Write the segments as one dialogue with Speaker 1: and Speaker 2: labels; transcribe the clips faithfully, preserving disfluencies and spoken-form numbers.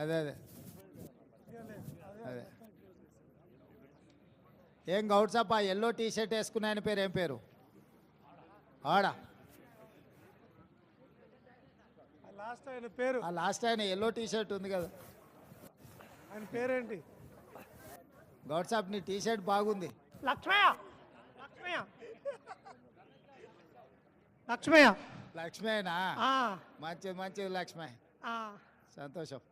Speaker 1: అదే అదే అదే ఏం గౌడ్సప్ప ఎల్లో టీ షర్ట్ వేసుకున్న ఆయన పేరు ఏం పేరు ఆడా
Speaker 2: లాస్ట్ ఆయన పేరు
Speaker 1: ఆ లాస్ట్ ఆయన ఎల్లో టీ షర్ట్ ఉంది కదా
Speaker 2: ఆయన పేరేంటి?
Speaker 1: గౌడ్సాప్ నీ టీ షర్ట్ బాగుంది.
Speaker 2: లక్ష్మయ్య లక్ష్మయ్య లక్ష్మయ్య
Speaker 1: లక్ష్మేనా
Speaker 2: ఆ,
Speaker 1: మంచిది మంచిది లక్ష్మే
Speaker 2: ఆ.
Speaker 1: సంతోషం.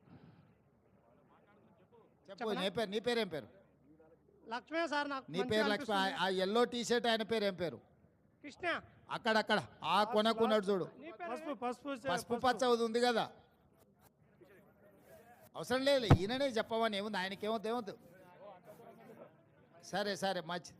Speaker 1: చెప్పు
Speaker 2: చెప్పనా?
Speaker 1: నీ పేరు నీ పేరు ఏం పేరు?
Speaker 2: లక్ష్మయ్య సార్ నాకు
Speaker 1: నీ
Speaker 2: మంచిగా
Speaker 1: పేరు లక్ష్మి.
Speaker 2: అనిపిస్తుంది.
Speaker 1: ఆ ఎల్లో టీ షర్ట్ ఆయన పేరు ఏం పేరు?
Speaker 2: కృష్ణ.
Speaker 1: అక్కడక్కడ ఆ కొనకున్నాడు చూడు,
Speaker 2: నీ పేరు పసుపు పసుపు
Speaker 1: పసుపు పచ్చ ఉంది కదా. అవసరం లేదు, ఈయననే చెప్పమని ఏముంది, ఆయనకేమవుతుంది ఏమవుతుంది. సరే సరే మంచి.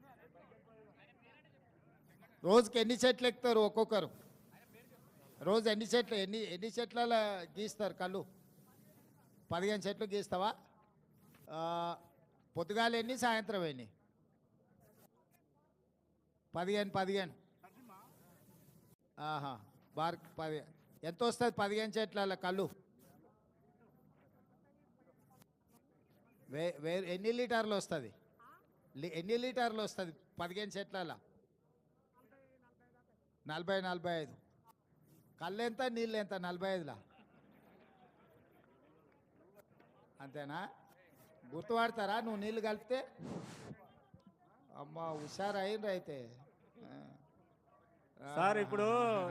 Speaker 1: రోజుకి ఎన్ని చెట్లు ఎక్కుతారు ఒక్కొక్కరు? రోజు ఎన్ని చెట్లు ఎన్ని ఎన్ని చెట్ల గీస్తారు కళ్ళు? పదిహేను చెట్లు గీస్తావా? ఆ, పొద్దుగాలు ఎన్ని, సాయంత్రం ఎన్ని? పదిహేను పదిహేను ఆహా బార్ పది ఎంత వస్తుంది పదిహేను చెట్ల కళ్ళు? వే వే ఎన్ని లీటర్లు వస్తుంది? ఎన్ని లీటర్లు వస్తుంది పదిహేను చెట్ల? నలభై నలభై ఐదు. కళ్ళు ఎంత, నీళ్ళు ఎంత? నలభై ఐదులా అంతేనా? గుర్తుపడతారా నువ్వు నీళ్ళు కలిపితే? అమ్మ హుషారు అయిండ్రు అయితే.
Speaker 3: సార్ ఇప్పుడు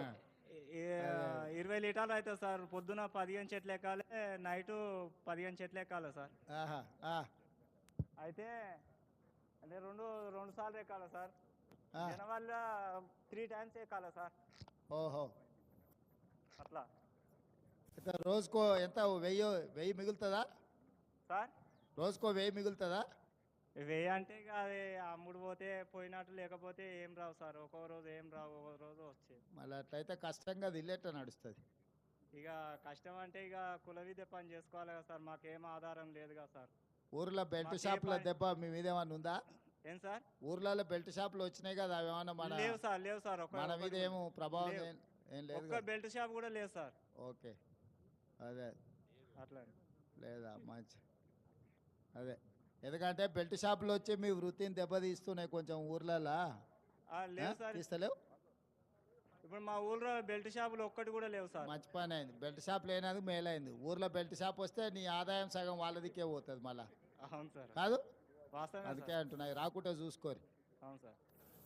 Speaker 3: ఈ- ఇరవై లీటర్లు అవుతుంది సార్. పొద్దున పదిహేను చెట్లు ఎక్కాలి, నైటు పదిహేను చెట్లు ఎక్కాలి సార్.
Speaker 1: ఆహా, ఆ,
Speaker 3: అయితే అంటే రెండు రెండు సార్లు ఎక్కాలి సార్.
Speaker 1: ఆ.
Speaker 3: వల్ల త్రీ టైమ్స్ ఎక్కాలి సార్.
Speaker 1: ఓహో.
Speaker 3: అట్లా
Speaker 1: అయితే రోజుకో ఎంత, వెయ్యి వెయ్యి మిగులుతుందా?
Speaker 3: సార్
Speaker 1: రోజుకో వెయ్యి మిగులుతుందా?
Speaker 3: వెయ్యి అంటే ఇక అది అమ్ముడు పోతే పోయినట్టు, లేకపోతే ఏం రావు సార్. ఒక్కో రోజు ఏం రావు, ఒక్కో రోజు వచ్చేది.
Speaker 1: మళ్ళీ అట్లయితే కష్టంగా అది ఇల్లేట నడుస్తుంది.
Speaker 3: ఇక కష్టం అంటే ఇక కుల విద్య పని చేసుకోవాలి కదా సార్. మాకేం ఆధారం లేదు కదా సార్.
Speaker 1: ఊర్లో బెల్ట్
Speaker 3: మాకే
Speaker 1: షాపుల
Speaker 3: పని-
Speaker 1: దెబ్బ మీ మీద ఏమన్నా ఉందా?
Speaker 3: ఏం సార్?
Speaker 1: ఊర్లలో బెల్ట్ షాపులు వచ్చినాయి కదా, అవి ఏమన్నా మన
Speaker 3: లేవు సార్, లేవు సార్. ఒక్క
Speaker 1: మన మీద
Speaker 3: ఒక్కటి
Speaker 1: ఏమో ప్రభావం
Speaker 3: లేవు.
Speaker 1: ఏం ఏం లేదు
Speaker 3: ఒక్క
Speaker 1: కదా?
Speaker 3: బెల్ట్ షాప్ కూడా లేదు సార్.
Speaker 1: ఓకే, అదే
Speaker 3: అట్లా
Speaker 1: లేదా మంచి. అదే ఎందుకంటే బెల్ట్ షాపులు వచ్చి మీ వృత్తిని దెబ్బతీస్తున్నాయి కొంచెం ఊర్లలో.
Speaker 3: ఆ, లేవు సార్.
Speaker 1: తీస్తలేవు?
Speaker 3: ఇప్పుడు మా ఊళ్ళో బెల్ట్ షాపులు ఒక్కటి కూడా లేవు సార్.
Speaker 1: మంచి పని అయింది, బెల్ట్ షాప్ లేనందుకు మేలైంది. ఊర్లో బెల్ట్ షాప్ వస్తే నీ ఆదాయం సగం వాళ్ళదికే పోతుంది మళ్ళా,
Speaker 3: అవును సార్,
Speaker 1: కాదు?
Speaker 3: వాస్తవమే
Speaker 1: అందుకే
Speaker 3: సార్.
Speaker 1: అంటున్నాయి, రాకుంటే చూసుకోరు.
Speaker 3: అవును సార్.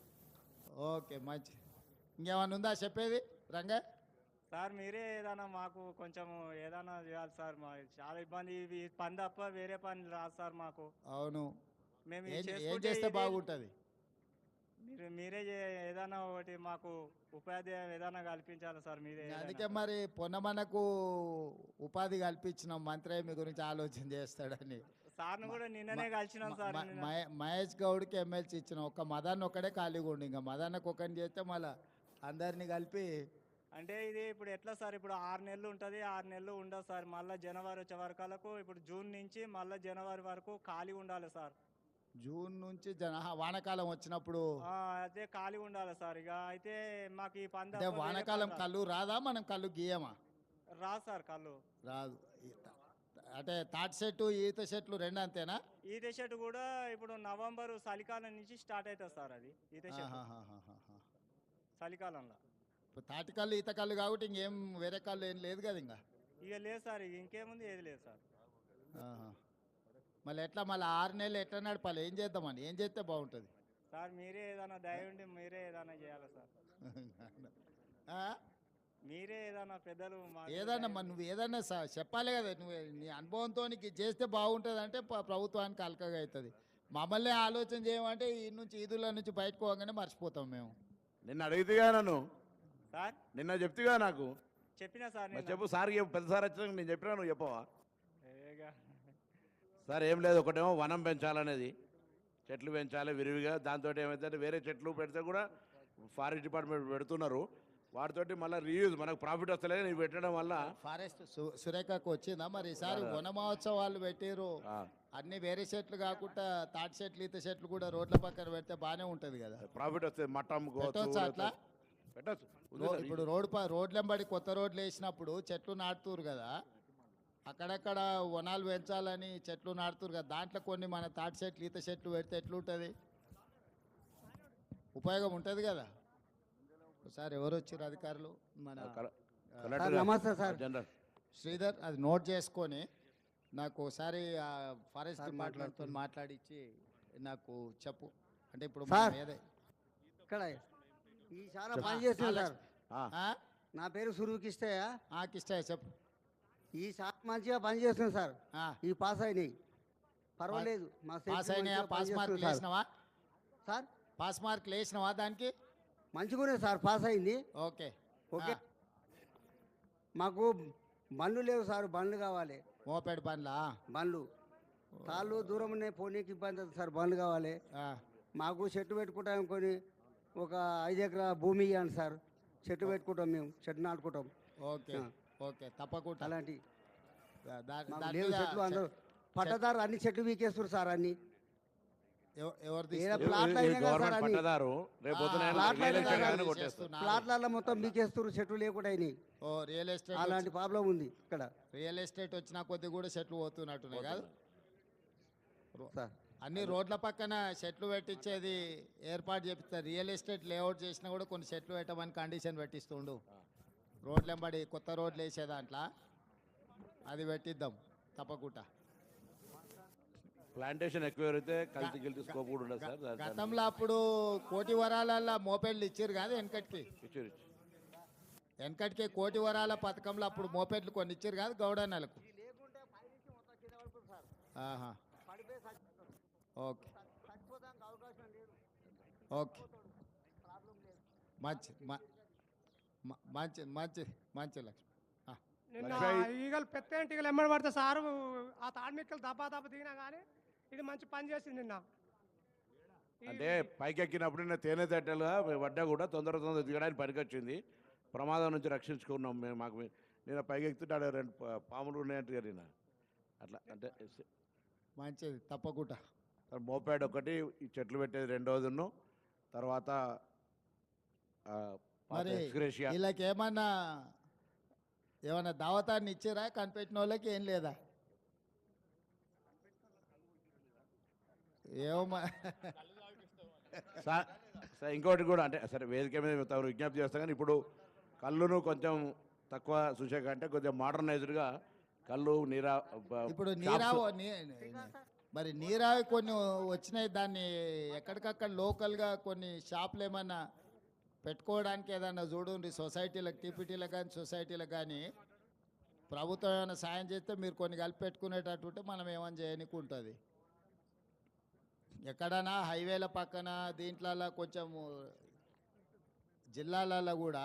Speaker 1: ఓకే మంచి. ఇంకేమన్నా ఉందా చెప్పేది రంగా?
Speaker 3: సార్ మీరే ఏదైనా మాకు కొంచెం ఏదైనా చేయాలి సార్. మా చాలా ఇబ్బంది. ఇవి పని తప్ప వేరే పని రాదు సార్ మాకు.
Speaker 1: అవును,
Speaker 3: మేము
Speaker 1: ఏం
Speaker 3: ఇది
Speaker 1: ఏం
Speaker 3: చేసుకుంటే
Speaker 1: చేస్తే
Speaker 3: ఇది-
Speaker 1: బాగుంటుంది?
Speaker 3: మీరు మీరే చే- ఏదైనా ఒకటి మాకు ఉపాధి ఏదైనా కల్పించాలి సార్. మీరే ఏదైనా.
Speaker 1: అందుకే మరి పొన్నమనకు ఉపాధి కల్పించిన మంత్రి మీ గురించి ఆలోచన చేస్తాడని.
Speaker 3: సార్ను కూడా నిన్ననే కలిసినాం సార్.
Speaker 1: మ-
Speaker 3: నిన్న.
Speaker 1: మహే- మహేష్ గౌడ్కి ఎమ్మెల్సీ ఇచ్చిన ఒక్క మదన్ ఒక్కడే ఖాళీగా ఉండి, ఇంకా మదన్నకు ఒకరిని చేస్తే మళ్ళీ అందరినీ కలిపి.
Speaker 3: అంటే ఇది ఇప్పుడు ఎట్లా సార్? ఇప్పుడు ఆరు నెలలు ఉంటుంది, ఆరు నెలలు ఉండదు సార్. మళ్ళీ జనవరి వచ్చే వరకలకు, ఇప్పుడు జూన్ నుంచి మళ్ళీ జనవరి వరకు ఖాళీ ఉండాలి సార్.
Speaker 1: జూన్ నుంచి జన ఆహా, వానాకాలం వచ్చినప్పుడు.
Speaker 3: ఆ, అయితే ఖాళీ ఉండాలి సార్. ఇక అయితే మాకు ఈ పంద
Speaker 1: అంటే వానాకాలం కళ్ళు రాదా, మనం కళ్ళు గీయమా?
Speaker 3: రాదు సార్ కళ్ళు.
Speaker 1: రాదు. ఈ త- అంటే తాటి చెట్టు ఈత చెట్లు రెండు అంతేనా?
Speaker 3: ఈత చెట్టు కూడా ఇప్పుడు నవంబర్ చలికాలం నుంచి స్టార్ట్ అవుతుంది సార్. అది ఈత చెట్టు
Speaker 1: ఆహాహాహాహా.
Speaker 3: చలికాలంలో.
Speaker 1: ఇప్పుడు తాటి కళ్ళు ఈత కళ్ళు కాబట్టి ఇంకేం వేరే కళ్ళు ఏం లేదు కదా ఇంకా.
Speaker 3: ఇక లేదు సార్, ఇక ఇంకేముంది, ఏది లేదు సార్.
Speaker 1: ఆహా. మళ్ళీ ఎట్లా మళ్ళీ ఆరు నెలలు ఎట్లా నడపాలి? ఏం చేద్దామని, ఏం చేస్తే బాగుంటుంది?
Speaker 3: సార్ మీరే ఏదైనా దయ ఉండి మీరే ఏదైనా చేయాలి సార్.
Speaker 1: ఆ?
Speaker 3: మీరే ఏదైనా పెద్దలు మాకు
Speaker 1: ఏదన్నా
Speaker 3: దయ
Speaker 1: మరి నువ్వు ఏదన్నా స- చెప్పాలి కదా. నువ్వు నీ అనుభవంతో నీకు ఇది చేస్తే బాగుంటుంది అంటే ప- ప్రభుత్వానికి అలకగా అవుతుంది. మమ్మల్ని ఆలోచన చేయమంటే ఈ నుంచి ఈదుల నుంచి బయటకు పోగానే మర్చిపోతాం మేము.
Speaker 4: నిన్న అడిగితేగా నన్ను,
Speaker 3: సార్
Speaker 4: నిన్న చెప్తిగా నాకు.
Speaker 3: చెప్పినా సార్
Speaker 4: మరి
Speaker 3: నిన్న.
Speaker 4: చెప్పు సార్, చెప్పు పెద్ద సార్ వచ్చినాక నేను చెప్పినా, నువ్వు చెప్పవా?
Speaker 3: ఏగా.
Speaker 4: సార్ ఏం లేదు, ఒకటేమో వనం పెంచాలనేది, చెట్లు పెంచాలి విరివిగా. దాంతో ఏమైతే వేరే చెట్లు పెడితే కూడా ఫారెస్ట్ డిపార్ట్మెంట్ పెడుతున్నారు, వాటితోటి మళ్ళీ రీయూజ్ మనకు ప్రాఫిట్ వస్తలేదు. నీవు పెట్టడం వల్ల
Speaker 1: ఫారెస్ట్ సు- సురేఖకు వచ్చిందా మరి ఈసారి వన మహోత్సవాలు పెట్టిరు?
Speaker 4: ఆ,
Speaker 1: అన్ని వేరే చెట్లు కాకుండా తాటి చెట్లు ఈత చెట్లు కూడా రోడ్ల పక్కన పెడితే బాగానే ఉంటుంది కదా.
Speaker 4: ప్రాఫిట్ వస్తుంది. మట్టం
Speaker 1: పెట్టొచ్చా అట్లా?
Speaker 4: పెట్టచ్చు.
Speaker 1: రో- ఇప్పుడు రోడ్ ప రోడ్లెంబడి కొత్త రోడ్లు వేసినప్పుడు చెట్లు నాటుతురు కదా, అక్కడక్కడ వనాలు పెంచాలని చెట్లు నాటుతురు కదా, దాంట్లో కొన్ని మన తాటి చెట్లు ఈత చెట్లు పెడితే ఎట్లుంటుంది, ఉపయోగం ఉంటుంది కదా. ఒకసారి ఎవరు వచ్చారు అధికారులు, మన
Speaker 4: కల-
Speaker 1: ఆ,
Speaker 4: కలెక్టర్
Speaker 5: నమస్తే సార్.
Speaker 4: జనరల్
Speaker 1: శ్రీధర్, అది నోట్ చేసుకొని నాకు ఒకసారి ఫారెస్ట్ డిపార్ట్మెంట్తో మాట్లాడించి నాకు చెప్పు. అంటే ఇప్పుడు
Speaker 5: సార్.
Speaker 1: మనం ఏదే
Speaker 5: ఇక్కడ ఈ చాలా పని చేస్తుంది సార్.
Speaker 4: ఆ,
Speaker 5: నా పేరు సురుకిష్టయ్య.
Speaker 1: కిష్టయ్య చెప్పు.
Speaker 5: ఈ చాలా మంచిగా పని చేస్తుంది సార్.
Speaker 1: ఆ,
Speaker 5: ఈ పాస్ అయినాయి పర్వాలేదు. మా
Speaker 1: పాస్
Speaker 5: సేఫ్టీ
Speaker 1: అయినాయా?
Speaker 5: మంచిగా
Speaker 1: పాస్ మార్కులు
Speaker 5: పనిచేస్తుంది సార్.
Speaker 1: వేసినావా?
Speaker 5: సార్
Speaker 1: పాస్ మార్కులు వేసినావా దానికి?
Speaker 5: మంచిగానే సార్ పాస్ అయింది.
Speaker 1: Okay
Speaker 5: okay.
Speaker 1: ఆ,
Speaker 5: మాకు బండ్లు లేవు సార్, బండ్లు కావాలి.
Speaker 1: మోపెడ్ బండ్లా?
Speaker 5: బండ్లు తాళ్ళు దూరం ఉన్నాయి, పోనీకి ఇబ్బంది అవుతుంది సార్, బండ్లు కావాలి.
Speaker 1: ఆ,
Speaker 5: మాకు చెట్టు పెట్టుకుంటాం, కొని ఒక ఐదు ఎకరా భూమి ఇవ్వండి సార్. చెట్టు పెట్టుకుంటాం, మేము చెట్టు నాటుకుంటాం.
Speaker 1: ఓకే
Speaker 5: ఆ.
Speaker 1: ఓకే తప్పకుండా.
Speaker 5: అలాంటి
Speaker 1: దా- దా-
Speaker 5: మాకు
Speaker 1: దాని
Speaker 5: లేవు
Speaker 1: మీద
Speaker 5: చెట్లు. అందరూ
Speaker 1: చె-
Speaker 5: పట్టదారు అన్ని చెట్లు వీకేస్తారు సార్. అన్ని
Speaker 1: ఎవ- ఎవరు
Speaker 5: ఏదో
Speaker 1: తీసుకు-
Speaker 4: ఈ-
Speaker 5: ప్లాట్లు
Speaker 4: ఈ
Speaker 5: అయినా కదా సార్
Speaker 4: గవర్నమెంట్
Speaker 5: అన్ని.
Speaker 4: పట్టదారు రేపు పొద్దున
Speaker 1: ఆ,
Speaker 5: ప్లాట్లు
Speaker 4: రియల్
Speaker 5: అయినా
Speaker 4: ఎస్టేట్
Speaker 5: కదా
Speaker 4: ఆయన
Speaker 1: చేస్తున్నారు.
Speaker 4: కొట్టేస్తారు.
Speaker 5: ప్లాట్లలో మొత్తం వీకేస్తారు, చెట్లు లేకుండా అయినాయి.
Speaker 1: ఓ రియల్ ఎస్టేట్
Speaker 5: అలాంటి
Speaker 1: వచ్చి-
Speaker 5: ప్రాబ్లం ఉంది ఇక్కడ
Speaker 1: రియల్ ఎస్టేట్ వచ్చిన కొద్ది కూడా చెట్లు పోతున్నట్టున్నాయి కాదు.
Speaker 5: సార్.
Speaker 1: అన్ని రోడ్ల పక్కన చెట్లు పెట్టించేది ఏర్పాటు చేపిస్తారు. రియల్ ఎస్టేట్ లేఅవుట్ చేసినా కూడా కొన్ని చెట్లు పెట్టమని కండిషన్ పెట్టిస్తుండు. రోడ్లు వెంబడి కొత్త రోడ్లు వేసే దాంట్లో అది పెట్టిద్దాం తప్పకుండా.
Speaker 4: ప్లాంటేషన్ ఎక్కువ అయితే కల్తీ గిల్తీ స్కోప్ కూడా ఉండదు సార్. దాని-
Speaker 1: గతంలో అప్పుడు కోటి వరాలల్లో మోపెడ్లు ఇచ్చారు కాదు వెనకటికి.
Speaker 4: ఇచ్చారు, ఇచ్చారు.
Speaker 1: వెనకటికి కోటి వరాల పథకంలో అప్పుడు మోపెడ్లు కొన్ని ఇచ్చారు కాదు గౌడన్నలకు. ఆహా. ఓకే ఓకే మంచి మ- మ- మంచి మంచి మంచి లక్ష్మి. ఆ,
Speaker 2: నిన్న
Speaker 4: లక్ష్మయ్య.
Speaker 2: ఈగలు పెద్ద ఈగలు ఎమ్మడి పడితే సారు ఆ తాడిమిక్కలు దబ్బా దబ్బ దిగినా కానీ ఇది మంచి పని చేసింది నిన్న. ఈ-
Speaker 4: అంటే పైకి ఎక్కినప్పుడు నేను తేనె తట్టెలుగా పడ్డా కూడా తొందర తొందర దిగడానికి పనికొచ్చింది. ప్రమాదం నుంచి రక్షించుకున్నాం మేము. మాకు నేను పైకి ఎక్కుతుంటే ఆడ రెండు పా- పాములు ఉన్నాయంటే నేను అట్లా అంటే ఎస్-
Speaker 1: మంచిది తప్పకుండా.
Speaker 4: సార్ మోపాడ్ ఒకటి, ఈ చెట్లు పెట్టేది రెండోదిను, తర్వాత ఆ, పాత
Speaker 1: మరి
Speaker 4: ఎక్స్గ్రేషియా.
Speaker 1: వీళ్ళకి ఏమన్నా ఏమన్నా దావతాన్ని ఇచ్చారా కనిపెట్టిన వాళ్ళకి? ఏం లేదా? ఏమో
Speaker 4: సార్ సార్ ఇంకోటి కూడా అంటే సరే వేదిక మీద మేము తమరు విజ్ఞప్తి చేస్తాం కానీ ఇప్పుడు కళ్ళును కొంచెం తక్కువ చూసాక అంటే కొంచెం మోడర్నైజ్డ్గా కళ్ళు నీరా బ-
Speaker 1: ఇప్పుడు
Speaker 4: షాప్స్.
Speaker 1: నీరావు నీ- మరి నీరావి కొన్ని వచ్చినాయి, దాన్ని ఎక్కడికక్కడ లోకల్గా కొన్ని షాపులు ఏమన్నా పెట్టుకోవడానికి ఏదన్నా చూడండి. సొసైటీలకు టీపీటీలకు కానీ సొసైటీలకు కానీ ప్రభుత్వం ఏమైనా సాయం చేస్తే మీరు కొన్ని కలిపి పెట్టుకునేటట్టు ఉంటే మనం ఏమైనా చేయనీకి ఉంటుంది. ఎక్కడైనా హైవేల పక్కన దీంట్లలో కొంచెం జిల్లాలలో కూడా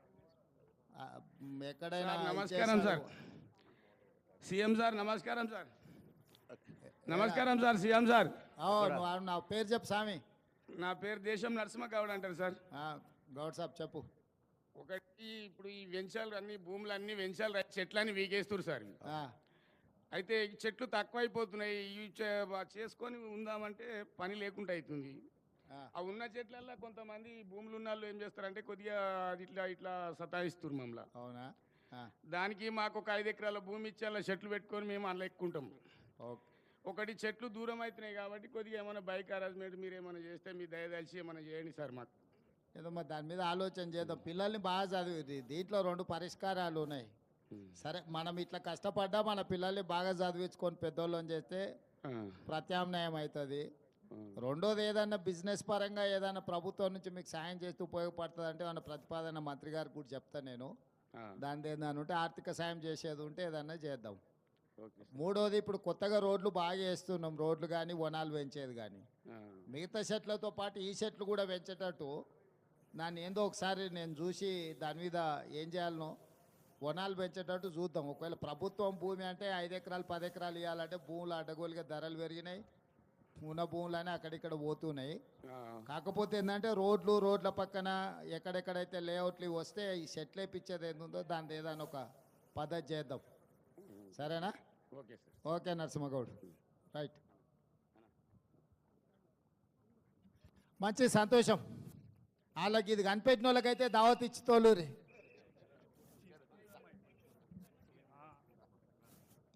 Speaker 1: ఆ, ఎక్కడైనా
Speaker 6: సార్, నమస్కారం
Speaker 1: ఇచ్చేస్తారు.
Speaker 6: సార్. సీఎం సార్ నమస్కారం సార్. నమస్కారం సార్ సీఎం సార్.
Speaker 1: ఓ, నువ్వు నా పేరు చెప్పు స్వామి.
Speaker 6: నా పేరు దేశం నరసింహ గౌడ్ అంటారు సార్.
Speaker 1: ఆ, గౌడ్ సాబ్ చెప్పు.
Speaker 6: ఒకటి ఇప్పుడు ఈ వెంచాలు అన్ని భూములు అన్ని వెంచాలు రా- చెట్లన్నీ వీకేస్తారు సార్.
Speaker 1: ఆ,
Speaker 6: అయితే ఈ చెట్లు తక్కువైపోతున్నాయి. ఇవి చే- చేసుకొని ఉందామంటే పని లేకుండా అవుతుంది.
Speaker 1: ఆ,
Speaker 6: ఆ ఉన్న చెట్లల్లో కొంతమంది భూములు ఉన్న వాళ్ళు ఏం చేస్తారంటే కొద్దిగా అది ఇట్లా ఇట్లా సతాయిస్తారు మమ్మల్ని.
Speaker 1: అవునా? ఆ,
Speaker 6: దానికి మాకు ఒక ఐదు ఎకరాల భూమి ఇచ్చి అలా చెట్లు పెట్టుకొని మేము అలా ఎక్కుంటాం.
Speaker 1: ఓకే.
Speaker 6: ఒకటి చెట్లు దూరం అవుతున్నాయి కాబట్టి కొద్దిగా ఏమైనా బైక్ అరేంజ్మెంట్ మీరు ఏమైనా చేస్తే మీ దయదలిచి ఏమైనా చేయండి సార్ మాకు.
Speaker 1: ఏదో మరి దాని మీద ఆలోచన చేద్దాం. పిల్లల్ని బాగా చదివి దీంట్లో రెండు పరిష్కారాలు ఉన్నాయి. సరే, మనం ఇట్లా కష్టపడ్డా మన పిల్లల్ని బాగా చదివించుకొని పెద్దోళ్ళని చేస్తే
Speaker 6: ఆ,
Speaker 1: ప్రత్యామ్నాయం అవుతుంది.
Speaker 6: ఆ.
Speaker 1: రెండోది ఏదన్నా బిజినెస్ పరంగా ఏదైనా ప్రభుత్వం నుంచి మీకు సాయం చేస్తూ ఉపయోగపడుతుంది అంటే మన ప్రతిపాదన మంత్రి గారికి కూడా చెప్తాను నేను.
Speaker 6: ఆ,
Speaker 1: దాని ఏదైనా ఉంటే ఆర్థిక సాయం చేసేది ఉంటే ఏదన్నా చేద్దాం.
Speaker 6: Okay sir.
Speaker 1: మూడోది ఇప్పుడు కొత్తగా రోడ్లు బాగా వేస్తున్నాం, రోడ్లు కానీ వనాలు పెంచేది కానీ.
Speaker 6: ఆ,
Speaker 1: మిగతా చెట్లతో పాటు ఈ చెట్లు కూడా పెంచేటట్టు దాన్ని ఏందో ఒకసారి నేను చూసి దాని మీద ఏం చేయాలనో వనాలు పెంచేటట్టు చూద్దాం. ఒకవేళ ప్రభుత్వం భూమి అంటే ఐదు ఎకరాలు పది ఎకరాలు ఇవ్వాలంటే భూములు అడ్డగోలుగా ధరలు పెరిగినాయి, ఉన్న భూములనే అక్కడిక్కడ పోతున్నాయి.
Speaker 6: ఆ,
Speaker 1: కాకపోతే ఏంటంటే రోడ్లు రోడ్ల పక్కన ఎక్కడెక్కడైతే లేఅవుట్లు ఇవి వస్తే ఈ చెట్లు వేపించేది ఏందో దాని ఏదైనా ఒక పద్ధతి చేద్దాం. సరేనా?
Speaker 6: Okay sir.
Speaker 1: Okay Narasimha Goud, right. మంచి సంతోషం. వాళ్ళకి ఇది కనిపెట్టిన వాళ్ళకైతే దావత్ ఇచ్చి తోలూరి.